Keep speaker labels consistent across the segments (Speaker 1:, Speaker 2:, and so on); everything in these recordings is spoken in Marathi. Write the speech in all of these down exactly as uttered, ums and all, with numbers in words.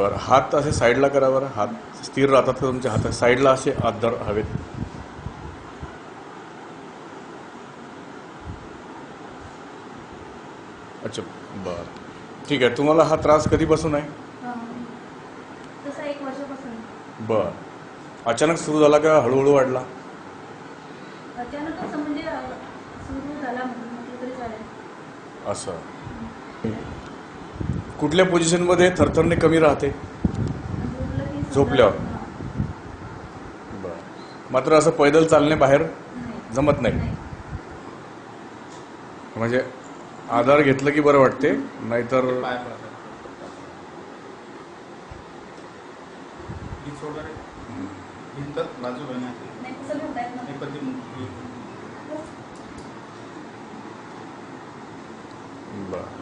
Speaker 1: बरं, हात असे साईडला करा बरं. हात स्थिर राहतात का तुमच्या हातात? साईडला असे हात धर हवेत. अच्छा, बरं, ठीक आहे. तुम्हाला हा त्रास कधीपासून आहे?
Speaker 2: तसा एक वर्षापासून.
Speaker 1: बरं, अचानक सुरू झाला का हळूहळू वाढला?
Speaker 2: अचानकच म्हणजे सुरू झाला म्हटलं तरी चालेल.
Speaker 1: असं कुठल्या पोझिशनमध्ये थरथरणे कमी राहते?
Speaker 2: झोपलं की समजा-
Speaker 1: झोपल्यावर.
Speaker 2: हां.
Speaker 1: बरं, मात्र असं पैदल चालणे बाहेर
Speaker 2: नाही.
Speaker 1: जमत नाही.
Speaker 2: नाही.
Speaker 1: म्हणजे आधार घेतलं की बरं वाटते, नाहीतर
Speaker 3: पाय पडतात. हीच वगैरे भिंत बाजू बनवते.
Speaker 2: नाही कसं म्हणता येत
Speaker 3: हे
Speaker 2: ना.
Speaker 3: कधी मुली-
Speaker 1: बरं,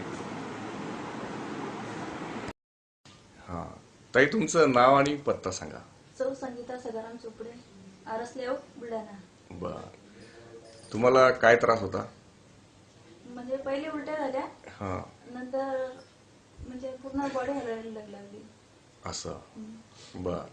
Speaker 1: हां. ताई, तुमचं नाव आणि पत्ता सांगा.
Speaker 2: सौ संगीता सदाराम चोपडे, आरस लेआउट, बुलढाणा.
Speaker 1: बरं, तुम्हाला काय त्रास होता?
Speaker 2: म्हणजे पहिले उलट्या झाल्या,
Speaker 1: हां,
Speaker 2: नंतर म्हणजे पूर्ण बॉडी हलायला लागली.
Speaker 1: असं. बरं,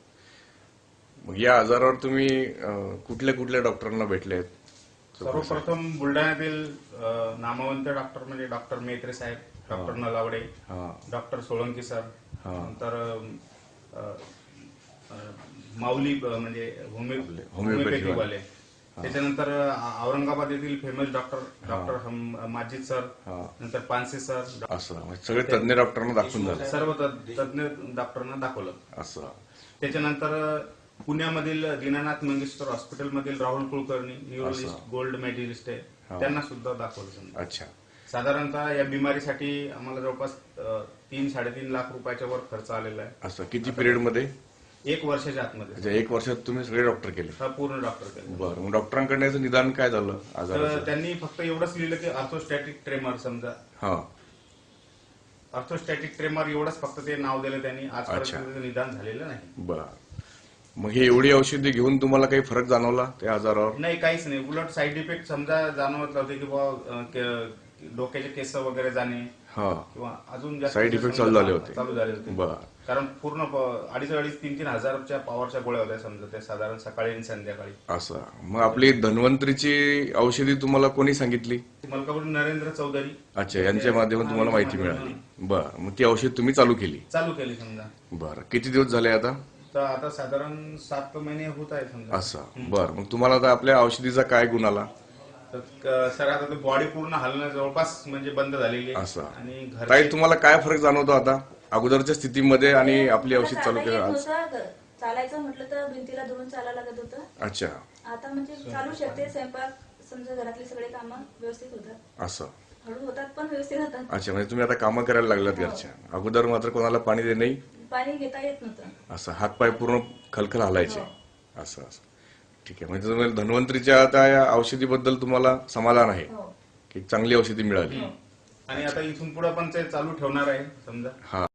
Speaker 1: मग या आजारावर तुम्ही अं, कुठल्या कुठल्या डॉक्टरांना भेटलेत?
Speaker 3: सर्वप्रथम बुलढाण्यातील अ, नामवंत डॉक्टर म्हणजे डॉक्टर मेत्रे साहेब, डॉक्टर नलावडे,
Speaker 1: हां,
Speaker 3: डॉक्टर सोळंकी सर,
Speaker 1: हां.
Speaker 3: नंतर अ, अ, माऊली अ, म्हणजे होमिओ-
Speaker 1: आपले होमिओपॅथी
Speaker 3: होमिओपॅथीवाले.
Speaker 1: हां.
Speaker 3: त्याच्यानंतर अ, औरंगाबाद येथील फेमस डॉक्टर डॉक्टर हम- माजिद सर,
Speaker 1: हां.
Speaker 3: नंतर पानसे सर,
Speaker 1: असं म्हणजे सगळे तज्ञ डॉक्टरांना दाखवून झाले.
Speaker 3: सर्व तज्ञ तज्ञ डॉक्टरांना दाखवलं.
Speaker 1: असं.
Speaker 3: त्याच्यानंतर पुण्यामधील दीनानाथ मंगेशकर हॉस्पिटलमधील राहुल कुलकर्णी, न्यूरोलिस्ट,
Speaker 1: असं.
Speaker 3: गोल्ड मेडलिस्ट आहे,
Speaker 1: हा.
Speaker 3: त्यांना सुद्धा दाखवलं समजा.
Speaker 1: अच्छा.
Speaker 3: साधारणतः या बिमारीसाठी आम्हाला जवळपास अ, तीन साडेतीन लाख रुपयाच्या वर खर्च आलेला आहे.
Speaker 1: असं किती पिरियड मध्ये?
Speaker 3: एक वर्षाच्या आतमध्ये
Speaker 1: म्हणजे एक वर्षात तुम्ही सगळे डॉक्टर केले?
Speaker 3: हा पूर्ण डॉक्टर केले.
Speaker 1: बरं, मग डॉक्टरांकडे याचं निदान काय झालं
Speaker 3: तर
Speaker 1: आजाराचं?
Speaker 3: त्यांनी फक्त एवढंच लिहिलं की अर्थोस्टॅटिक ट्रेमर समजा.
Speaker 1: हा,
Speaker 3: अर्थोस्टॅटिक ट्रेमर एवढंच फक्त ते नाव दिलं त्यांनी.
Speaker 1: अच्छा.
Speaker 3: आजपर्यंत त्याचं निदान झालेलं नाही.
Speaker 1: बरं. मग हे एवढी औषधी घेऊन तुम्हाला काही फरक जाणवला त्या आजारावर?
Speaker 3: नाही, काहीच नाही. उलट साईड इफेक्ट समजा जाणवत होते की बाबा डोक्याचे केस वगैरे जाणे
Speaker 1: हा,
Speaker 3: किंवा अजून जास्त
Speaker 1: Side effects
Speaker 3: समजा
Speaker 1: चालू झाले होते.
Speaker 3: चालू झाले होते.
Speaker 1: बरं.
Speaker 3: कारण पूर्ण प- अडीच अडीच तीन तीन हजारच्या पॉवरच्या गोळ्या होत्या समजा त्या, साधारण सकाळी आणि संध्याकाळी.
Speaker 1: असं. मग आपली धन्वंतरीची औषधी तुम्हाला कोणी सांगितली?
Speaker 3: मलकापूर नरेंद्र चौधरी
Speaker 1: अच्छा, यांच्या माध्यमातून तुम्हाला माहिती मिळाली. बरं, मग ती औषध तुम्ही चालू केली?
Speaker 3: चालू केली समजा.
Speaker 1: बरं, किती दिवस झाले आता?
Speaker 3: तर आता साधारण सात महिने होत आहे समजा.
Speaker 1: असं. बरं, मग तुम्हाला आता आपल्या औषधीचा काय गुण आला?
Speaker 3: तर क- सर आता बॉडी पूर्ण हलणं जवळपास म्हणजे बंद झालेली आहे.
Speaker 1: असं.
Speaker 3: आणि
Speaker 1: ताई,
Speaker 3: घरचे
Speaker 1: तुम्हाला काय फरक जाणवतो आता अगोदरच्या स्थितीमध्ये आणि आपली
Speaker 2: मला
Speaker 1: औषध चालू
Speaker 2: चालता
Speaker 1: केलं
Speaker 2: येत
Speaker 1: आज?
Speaker 2: नव्हतं. चालायचं म्हटलं तर भिंतीला धरून चालायला लागत होतं.
Speaker 1: अच्छा,
Speaker 2: आता म्हणजे चालू शकते. स्वयंपाक समजा घरातली सगळे कामं व्यवस्थित होतात.
Speaker 1: असं.
Speaker 2: हळू होतात पण व्यवस्थित होतात.
Speaker 1: अच्छा, म्हणजे तुम्ही आता कामं करायला लागलात घरच्या. अगोदर मात्र कोणाला पाणी दे नाही,
Speaker 2: पाणी घेता येत नव्हतं.
Speaker 1: असं हातपाय पूर्ण खलखल हलायचे.
Speaker 2: हो.
Speaker 1: असं असं ठीक आहे. म्हणजे तुम्हाला धन्वंतरीच्या आता या औषधीबद्दल तुम्हाला समाधान आहे
Speaker 2: हो.
Speaker 1: की चांगली औषधी मिळाली?
Speaker 3: आणि आता इथून पुढे पण ते चालू ठेवणार आहे समजा.
Speaker 1: हा.